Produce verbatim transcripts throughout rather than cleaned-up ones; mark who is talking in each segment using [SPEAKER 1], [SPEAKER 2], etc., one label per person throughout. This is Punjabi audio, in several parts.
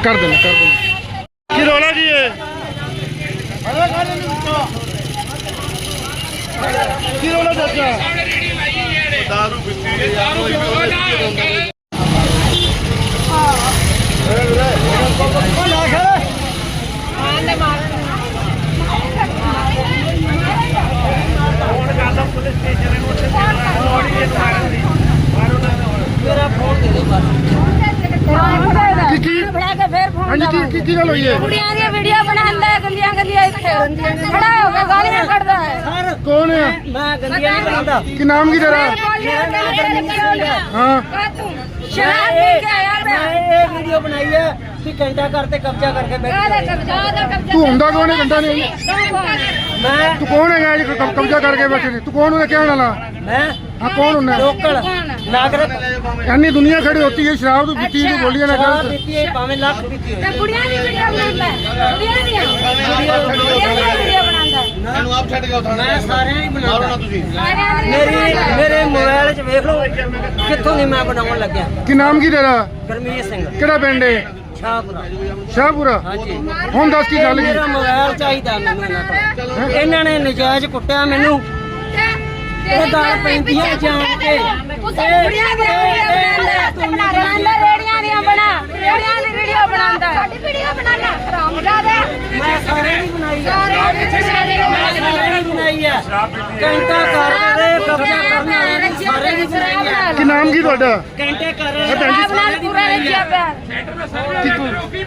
[SPEAKER 1] कर देना कर देना की रौला जी है की रौला चाचा दारू पीती कौन है कि नाम की तेरा हाँ
[SPEAKER 2] वीडियो बनाई है कि घंटा करते कब्जा करके
[SPEAKER 1] तू हुंदा कौन है घंटा नहीं
[SPEAKER 2] मैं
[SPEAKER 1] तू कौन है जी कब्जा करके बैठे ने तू कौन है क्या वाला
[SPEAKER 2] मैं
[SPEAKER 1] हाँ कौन होना
[SPEAKER 2] लोकल नागरिक
[SPEAKER 1] यानी दुनिया खड़ी होती है शराब तो पीती है बोलिए ना
[SPEAKER 2] शराब पीती है भावे लाख पीती है
[SPEAKER 3] बुढ़िया दी वीडियो बनांदा है बुढ़िया दी बुढ़िया दी वीडियो बनांदा है
[SPEAKER 2] ਮੈਨੂੰ ਆਪ ਛੱਡ ਕੇ ਉਠਾਣਾ ਮੈਂ ਸਾਰਿਆਂ ਹੀ ਬਣਾਉਣਾ ਤੁਸੀਂ ਮੇਰੀ ਮੇਰੇ ਮੋਬਾਈਲ 'ਚ ਵੇਖ ਲਓ ਕਿੱਥੋਂ ਦੀ ਮੈਂ ਬਣਾਉਣ ਲੱਗਿਆ
[SPEAKER 1] कि नाम की तेरा
[SPEAKER 2] ਗਰਮੀਤ ਸਿੰਘ
[SPEAKER 1] केड़ा पिंड है
[SPEAKER 2] ਸ਼ਾਹਪੁਰਾ
[SPEAKER 1] शाहपुरा
[SPEAKER 2] ਹਾਂਜੀ
[SPEAKER 1] हुन दस की गल की
[SPEAKER 2] ਮੇਰਾ ਮੋਬਾਈਲ ਚਾਹੀਦਾ ਮੈਨੂੰ ਇਹਨਾਂ ਤੋਂ ਇਹਨਾਂ ਨੇ ਨਜਾਇਜ਼ ਕੁੱਟਿਆ ਮੈਨੂੰ ਇਹ ਦਾਲ ਪੈਂਦੀਆਂ ਜਾਣ ਕੇ
[SPEAKER 3] बुढ़िया दी वीडियो बनांदा रेड़ियां दी बना रेड़ियां दी वीडियो बनांदा साडी वीडियो बनाना हरामजादा
[SPEAKER 2] ਮੈਂ ਸਾਰਿਆਂ ਦੀ ਬਣਾਈ ਹੈ
[SPEAKER 3] सारे सारे
[SPEAKER 2] ਸਾਰਿਆਂ ਦੀ ਬਣਾਈ ਹੈ ਘੰਟਾ ਕਰਦੇ ਕਬਜ਼ਾ ਕਰਨ ਵਾਲੇ ਸਾਰਿਆਂ ਦੀ ਬਣਾਈ ਹੈ
[SPEAKER 1] कि नाम की ਤੁਹਾਡਾ
[SPEAKER 2] ਘੰਟੇ ਕਰ
[SPEAKER 3] शराब नाल पूरा रखिया पिया
[SPEAKER 1] कि तू
[SPEAKER 3] की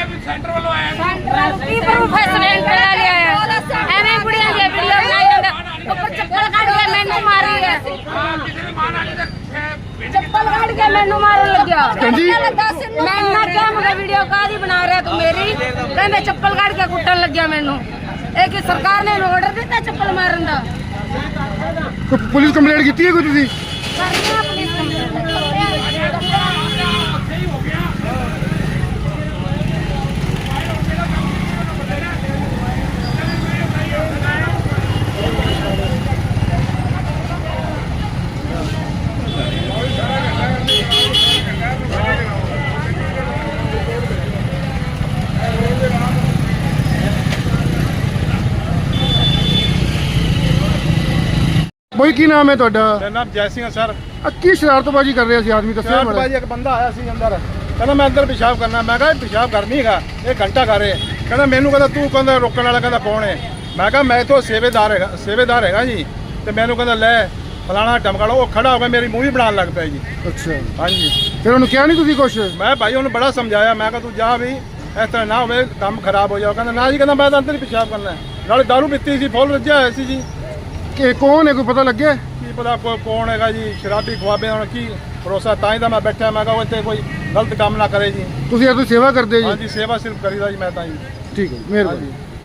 [SPEAKER 3] प्रूफ है सिलेंडर ले आया एवें बुढ़िया दी वीडियो बनाई होगा ऊपर चप्पल काट के मैनू मारी है चप्पल काट के मैनू मारन लग्या
[SPEAKER 1] जी
[SPEAKER 3] मैं ना क्या मैं वीडियो कादी बना रहा तू मेरी कहंदे चप्पल काट के कुटन लग्या मैनू ए कि सरकार ने ऑर्डर दिता चप्पल मारन दा
[SPEAKER 1] कोई पुलिस कंप्लेंट की है कोई तुसी
[SPEAKER 3] करना पुलिस
[SPEAKER 1] ਬਈ ਕੀ ਨਾਮ ਹੈ ਤੁਹਾਡਾ
[SPEAKER 4] ਮੇਰਾ ਨਾਮ ਜੈ ਸਿੰਘ ਹੈ ਸਰ।
[SPEAKER 1] ਆ ਕੀ ਸ਼ਰਾਰਤਬਾਜ਼ੀ ਕਰ ਰਿਹਾ ਸੀ ਆਦਮੀ ਦੱਸਿਆ
[SPEAKER 4] ਸ਼ਰਾਬ
[SPEAKER 1] ਮਾੜਾ
[SPEAKER 4] ਬਾਜੀ ਇੱਕ ਬੰਦਾ ਆਇਆ ਸੀ ਅੰਦਰ ਕਹਿੰਦਾ ਮੈਂ ਅੰਦਰ ਪਿਸ਼ਾਬ ਕਰਨਾ ਮੈਂ ਕਿਹਾ ਪਿਸ਼ਾਬ ਕਰਨੀ ਹੈਗਾ ਇਹ ਘੰਟਾ ਕਰ ਰਿਹਾ ਕਹਿੰਦਾ ਮੈਨੂੰ ਕਹਿੰਦਾ ਤੂੰ ਕਹਿੰਦਾ ਰੋਕਣ ਵਾਲਾ ਕਹਿੰਦਾ ਕੌਣ ਹੈ ਮੈਂ ਕਿਹਾ ਮੈਂ ਇੱਥੋਂ ਸੇਵੇਦਾਰ ਹੈਗਾ ਸੇਵੇਦਾਰ ਹੈਗਾ ਜੀ ਤੇ ਮੈਨੂੰ ਕਹਿੰਦਾ ਲੈ ਫਲਾਣਾ ਟਮਕਾਲੋ ਉਹ ਖੜਾ ਹੋ ਕੇ ਮੇਰੀ ਮੂਵੀ ਬਣਾਉਣ ਲੱਗ ਪਿਆ ਜੀ।
[SPEAKER 1] ਅੱਛਾ
[SPEAKER 4] ਹਾਂਜੀ
[SPEAKER 1] ਫਿਰ ਉਹਨੂੰ ਕਿਹਾ ਨਹੀਂ ਤੁਸੀਂ ਕੁਛ
[SPEAKER 4] ਮੈਂ ਭਾਈ ਉਹਨੂੰ ਬੜਾ ਸਮਝਾਇਆ ਮੈਂ ਕਿਹਾ ਤੂੰ ਜਾ ਵੀ ਇਸ ਤਰ੍ਹਾਂ ਨਾ ਹੋਵੇ ਕੰਮ ਖਰਾਬ ਹੋ ਜਾਓ ਕਹਿੰਦਾ ਨਾ ਜੀ ਕਹਿੰਦਾ ਮੈਂ ਤਾਂ ਅੰਦਰ ਹੀ ਪਿਸ਼ਾਬ ਕਰਨਾ ਹੈ। ਨਾਲੇ ਦਾਰੂ ਪੀਤੀ ਸੀ ਫੁੱਲ ਰੱਜਿਆ ਹੋਇਆ ਸੀ ਜੀ
[SPEAKER 1] ਕਿ ਕੌਣ ਹੈ ਕੋਈ ਪਤਾ ਲੱਗਿਆ
[SPEAKER 4] ਕੀ ਪਤਾ ਕੋ ਕੌਣ ਹੈਗਾ ਜੀ ਸ਼ਰਾਬੀ ਖਵਾਬੇ ਹੁਣ ਕੀ ਭਰੋਸਾ ਤਾਂ ਹੀ ਤਾਂ ਮੈਂ ਬੈਠਾ ਮੈਂ ਕਿਹਾ ਇੱਥੇ ਕੋਈ ਗਲਤ ਕੰਮ ਨਾ ਕਰੇ ਜੀ।
[SPEAKER 1] ਤੁਸੀਂ ਇਹ ਤੋਂ ਸੇਵਾ ਕਰਦੇ ਜੀ
[SPEAKER 4] ਹਾਂਜੀ ਸੇਵਾ ਸਿਰਫ ਕਰੀਦਾ ਜੀ ਮੈਂ ਤਾਂ ਜੀ।
[SPEAKER 1] ਠੀਕ ਹੈ ਜੀ, ਮਿਹਰਬਾਨੀ
[SPEAKER 4] ਹਾਂਜੀ।